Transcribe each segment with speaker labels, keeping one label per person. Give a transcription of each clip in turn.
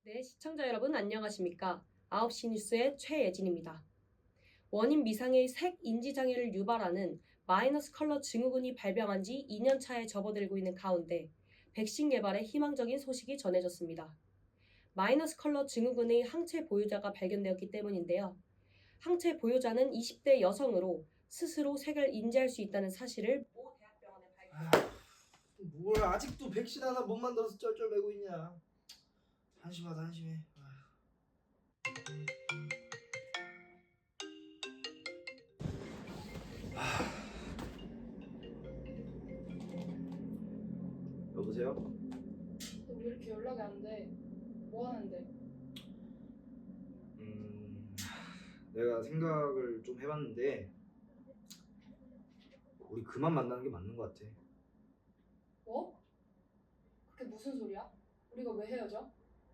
Speaker 1: 네, 시청자 여러분 안녕하십니까? 9시 뉴스의 최예진입니다. 원인 미상의 색 인지 장애를 유발하는 마이너스 컬러 증후군이 발병한 지 2년 차에 접어들고 있는 가운데 백신 개발에 희망적인 소식이 전해졌습니다. 마이너스 컬러 증후군의 항체 보유자가 발견되었기 때문인데요. 항체 보유자는 20대 여성으로 스스로 색을 인지할 수 있다는 사실을 모 대학병원에 발견했습니다.
Speaker 2: 뭘 아직도 백신 하나 못 만들어서 쩔쩔매고 있냐. 한심하다 한심해. 여보세요?
Speaker 3: 너 왜 이렇게 연락이 안 돼? 뭐 하는데?
Speaker 2: 내가 생각을 좀 해봤는데 우리 그만 만나는 게 맞는 것 같아.
Speaker 3: 뭐? 그게 무슨 소리야? 우리가 왜 헤어져?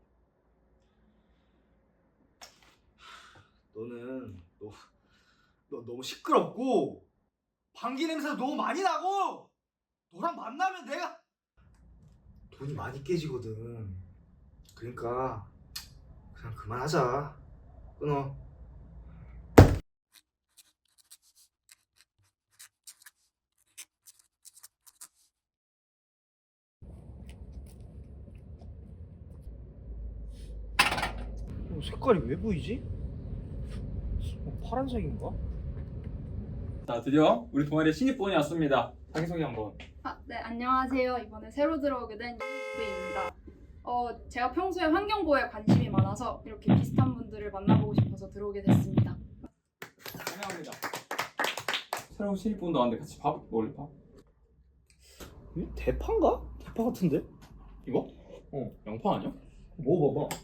Speaker 2: 너 너무 시끄럽고 방귀 냄새가 너무 많이 나고 너랑 만나면 내가 돈이 많이 깨지거든. 그러니까 그냥 그만하자. 끊어. 색깔이 왜 보이지? 파란색인가?
Speaker 4: 자, 드디어 우리 동아리에 신입분이 왔습니다. 자기소개 한번.
Speaker 3: 네, 안녕하세요. 이번에 새로 들어오게 된 유입니다. 제가 평소에 환경보호에 관심이 많아서 이렇게 비슷한 분들을 만나보고 싶어서 들어오게 됐습니다.
Speaker 4: 환영합니다. 새로운 신입분도 왔는데 같이 밥 먹을래? 밥?
Speaker 2: 이 대파인가? 대파 같은데?
Speaker 4: 이거? 양파 아니야?
Speaker 2: 먹어봐봐.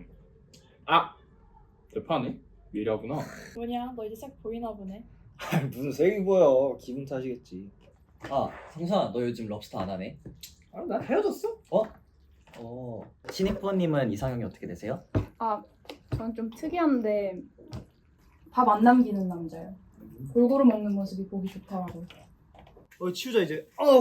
Speaker 4: 대파네? 미라구나.
Speaker 3: 뭐냐? 너 이제 색 보이나 보네.
Speaker 2: 무슨 색이 보여? 기분 탓이겠지.
Speaker 5: 아, 성수아, 너 요즘 럽스터 안 하네?
Speaker 2: 나 헤어졌어?
Speaker 5: 신입부님은 이상형이 어떻게 되세요?
Speaker 3: 저는 좀 특이한데 밥 안 남기는 남자예요. 골고루 먹는 모습이 보기 좋더라고요.
Speaker 2: 치우자 이제. 어우.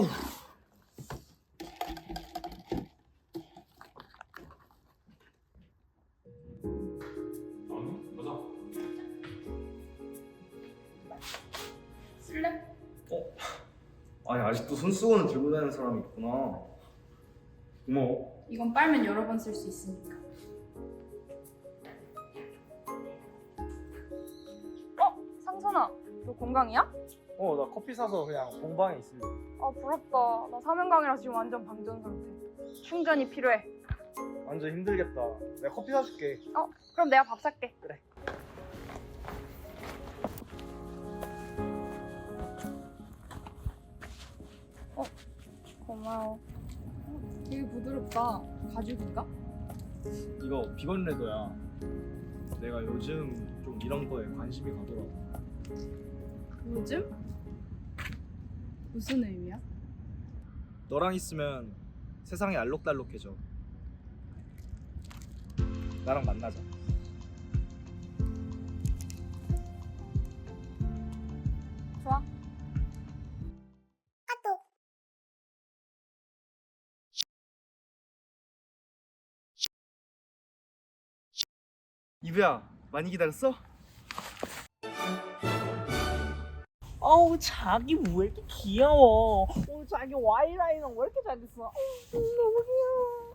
Speaker 4: 보자.
Speaker 3: 쓸래?
Speaker 2: 아니 아직도 손수건을 들고 다니는 사람이 있구나. 고마워.
Speaker 3: 이건 빨면 여러 번 쓸 수 있으니까. 상선아, 너 건강이야?
Speaker 2: 나 커피 사서 그냥 공방에 있을래.
Speaker 3: 부럽다. 나 사명강이라 지금 완전 방전 상태. 충전이 필요해.
Speaker 2: 완전 힘들겠다. 내가 커피 사줄게.
Speaker 3: 그럼 내가 밥 살게.
Speaker 2: 그래.
Speaker 3: 고마워. 되게 부드럽다. 가죽인가?
Speaker 2: 이거 비건 레더야. 내가 요즘 좀 이런 거에 관심이 가더라고.
Speaker 3: 요즘? 무슨 의미야?
Speaker 2: 너랑 있으면 세상이 알록달록해져. 나랑 만나자.
Speaker 3: 좋아.
Speaker 2: 이브야, 많이 기다렸어?
Speaker 6: 자기 왜 이렇게 귀여워? 자기 와이라이너 왜 이렇게 잘 됐어? 너무 귀여워.